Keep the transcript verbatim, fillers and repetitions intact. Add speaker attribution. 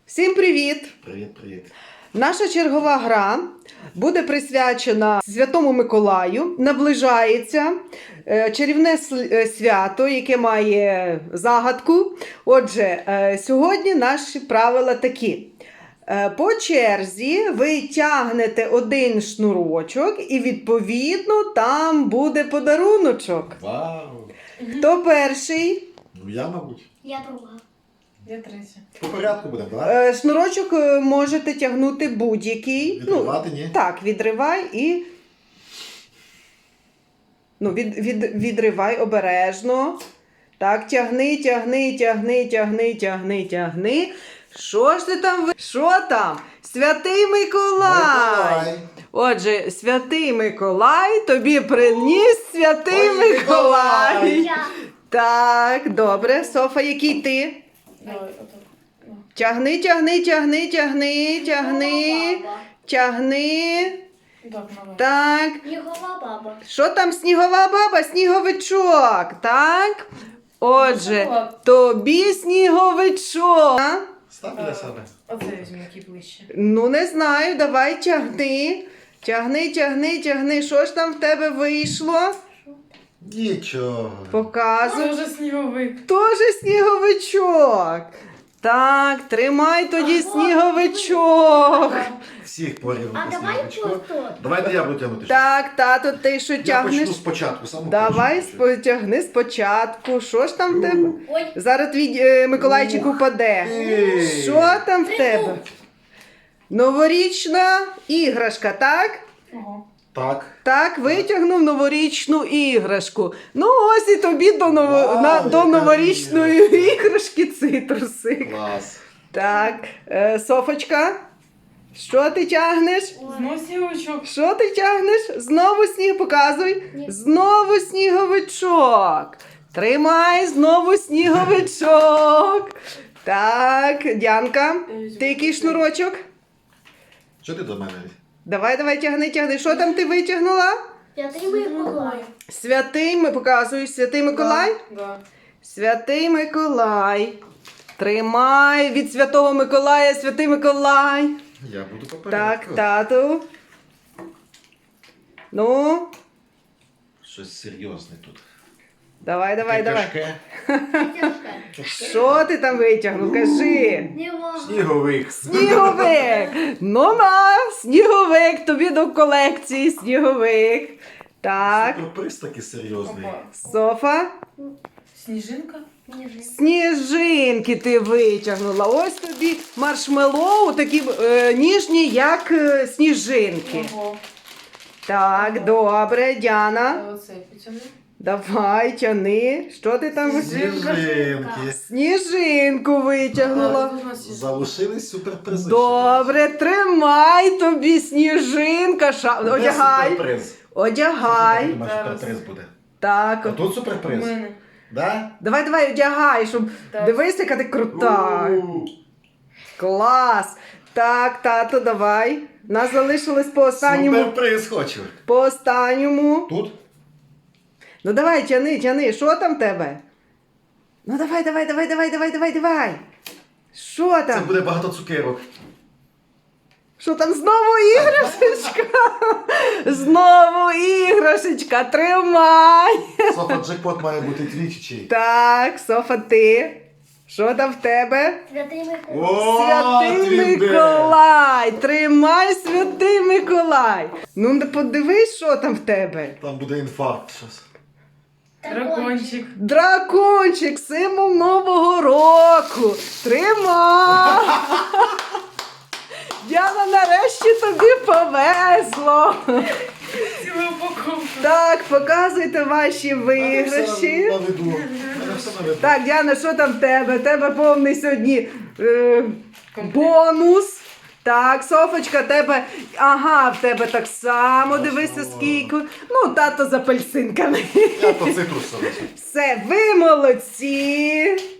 Speaker 1: Всім привіт!
Speaker 2: Привіт, привіт.
Speaker 1: Наша чергова гра буде присвячена Святому Миколаю. Наближається е, чарівне с- свято, яке має загадку. Отже, е, сьогодні наші правила такі. Е, По черзі ви тягнете один шнурочок і, відповідно, там буде подаруночок.
Speaker 2: Вау!
Speaker 1: Хто перший?
Speaker 2: Ну я, мабуть.
Speaker 3: Я друга.
Speaker 4: Я третя.
Speaker 2: По порядку будемо, так?
Speaker 1: Е, Шнурочок е, можете тягнути будь-який.
Speaker 2: Відривати, ні?
Speaker 1: Так, відривай і. Ну, від, від, відривай обережно. Так, тягни, тягни, тягни, тягни, тягни, тягни. Що ж ти там? ви- Що там? Святий Миколай!
Speaker 2: Миколай.
Speaker 1: Отже, Святий Миколай тобі приніс Святий
Speaker 2: Ой,
Speaker 1: Миколай.
Speaker 2: Миколай.
Speaker 3: Я.
Speaker 1: Так, добре. Софа, який ти?
Speaker 4: Давай, отак. Ну.
Speaker 1: Тягни, тягни, тягни, тягни, тягни,
Speaker 3: Баба.
Speaker 1: тягни.
Speaker 4: Так, давай.
Speaker 1: Так.
Speaker 3: Снігова баба.
Speaker 1: Що там снігова баба? Сніговичок, так? Отже,
Speaker 4: Шоколад.
Speaker 1: тобі сніговичок. А?
Speaker 2: Став для себе.
Speaker 4: Оце візьму, який ближче.
Speaker 1: Ну, не знаю, давай тягни. Тягни, тягни, тягни. Що ж там в тебе вийшло?
Speaker 2: Нічого.
Speaker 1: Показуй.
Speaker 4: Це вже сніговик.
Speaker 1: Тоже сніговичок. Так, тримай тоді сніговичок.
Speaker 2: Всіх порівну.
Speaker 3: А давай просто.
Speaker 2: Давайте я буду тягнути.
Speaker 1: Так, тато, ти що
Speaker 2: Я
Speaker 1: тягнеш?
Speaker 2: почну спочатку. Самого
Speaker 1: Давай
Speaker 2: першого.
Speaker 1: спотягни спочатку. Що ж там в тебе?
Speaker 3: Ой,
Speaker 1: Зараз твій е, Миколайчик
Speaker 2: Ух
Speaker 1: упаде.
Speaker 2: ти.
Speaker 1: Що там в тебе? Новорічна іграшка, так?
Speaker 4: Ого.
Speaker 2: Так.
Speaker 1: Так, витягнув новорічну іграшку. Ну ось і тобі до, ново...
Speaker 2: Вау,
Speaker 1: на... до
Speaker 2: яка
Speaker 1: новорічної
Speaker 2: іграшка.
Speaker 1: іграшки цитрусик.
Speaker 2: Клас.
Speaker 1: Так, е, Софочка, що ти тягнеш?
Speaker 4: Знову сніговичок.
Speaker 1: Що ти тягнеш? Знову сніг, показуй.
Speaker 3: Ні.
Speaker 1: Знову сніговичок. Тримай, знову сніговичок. Так, Діанка, ти який шнурочок?
Speaker 2: Що ти до мене?
Speaker 1: Давай, давай, тягни, тягни. Що там ти витягнула?
Speaker 3: Святий Миколай.
Speaker 1: Святий, ми показую, Святий Миколай.
Speaker 4: Да.
Speaker 1: Святий Миколай. Тримай від Святого Миколая, Святий Миколай.
Speaker 2: Я буду по
Speaker 1: Так,
Speaker 2: порядку.
Speaker 1: тату. Ну,
Speaker 2: Щось серйозне тут.
Speaker 1: давай, давай,
Speaker 2: Таке
Speaker 1: давай.
Speaker 2: тяжке.
Speaker 1: Що ти там витягнув? Кажи.
Speaker 3: Нема.
Speaker 2: Сніговик.
Speaker 1: Сніговик! Ну на, сніговик, тобі до колекції сніговик. Так,
Speaker 2: Сюрприз такий серйозний.
Speaker 4: Опа.
Speaker 1: Софа.
Speaker 4: Сніжинка?
Speaker 3: Ніжинка.
Speaker 1: Сніжинки ти витягнула. Ось тобі маршмеллоу, такі е, ніжні, як е, сніжинки.
Speaker 4: Ого.
Speaker 1: Так, добре, Діана.
Speaker 4: А оце потягни.
Speaker 1: Давай, тяни. Що ти там?
Speaker 2: Сніжинки.
Speaker 1: Сніжинку витягнула.
Speaker 4: А, тут
Speaker 2: Залишились суперпризи.
Speaker 1: Добре, тримай тобі сніжинка. Ша...
Speaker 2: Де
Speaker 1: Одягай.
Speaker 2: суперприз?
Speaker 1: Одягай.
Speaker 2: Я думаю,
Speaker 4: Зараз.
Speaker 2: суперприз буде.
Speaker 1: Так.
Speaker 2: А тут
Speaker 4: У
Speaker 2: суперприз?
Speaker 4: мене.
Speaker 2: Да?
Speaker 1: Давай, давай, одягай, щоб
Speaker 4: Так.
Speaker 1: дивись, яка ти крута.
Speaker 2: У.
Speaker 1: Клас. Так, тато, давай. Нас залишилось по останньому.
Speaker 2: Суперприз хочу.
Speaker 1: По останньому.
Speaker 2: Тут?
Speaker 1: Ну давай, тяни, тяни. Що там в тебе? Ну давай, давай, давай, давай, давай, давай, давай. Що
Speaker 2: Це
Speaker 1: там?
Speaker 2: буде багато цукерок.
Speaker 1: Що там знову іграшечка? Знову іграшечка. Тримай.
Speaker 2: Софа, джекпот має бути твій чи чий?
Speaker 1: Так, Софа, ти. Що там в тебе?
Speaker 3: Святий Миколай.
Speaker 2: О,
Speaker 1: Святий
Speaker 2: твій де?
Speaker 1: Миколай! Тримай, Святий Миколай! Ну, не подивись, що там в тебе.
Speaker 2: Там буде інфаркт щось.
Speaker 4: Дракончик.
Speaker 1: Дракончик, символ Нового року. Тримай! Діана, нарешті тобі повезло.
Speaker 4: Цілу упаковку.
Speaker 1: Так, показуйте ваші виграші.
Speaker 2: На виду. Мене все на виду.
Speaker 1: Так, Діана, що там в тебе? В тебе повний сьогодні е, бонус. Так, Софочка, тебе. Ага, в тебе так само. Дивися, скільки. Ну, тато з апельсинками.
Speaker 2: Я по цитрусовий.
Speaker 1: Все, ви молодці.